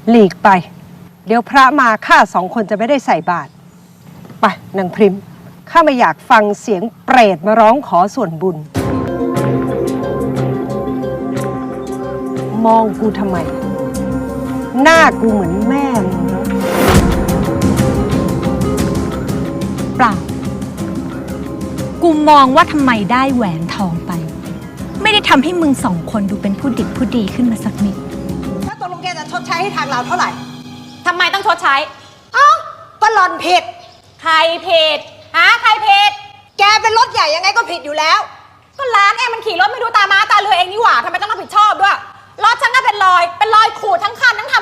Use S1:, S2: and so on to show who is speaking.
S1: หลีกไปเดี๋ยวพระมาข้า2 คนจะไม่ได้ใส่บาตรไปนางพริมข้าไม่อยากฟังเสียงเปรตมาร้องขอส่วนบุญมองกูทำไมหน้ากูเหมือนแม่มึงเนาะ
S2: เปล่ากูมองว่าทำไมได้แหวนทองไปไม่ได้ทำให้มึง2 คนดูเป็นผู้ดิบผู้ดีขึ้นมาสักนิด
S1: แล้วตกลงแกจะชดใช้ให้ทางเราเท่าไหร่
S3: ทำไมต้องชดใช้
S1: ก็หล่อนผิด
S3: ใครผิดใครผิด
S1: แกเป็นรถใหญ่ยังไงก็ผิดอยู่แล้ว
S3: ก็ร้านมันขี่รถไม่ดูตาม้าตาเรือเองนี่หว่าทำไมต้องรับผิดชอบด้วยรถฉันก็เป็นรอยขูดทั้งคันทั้ง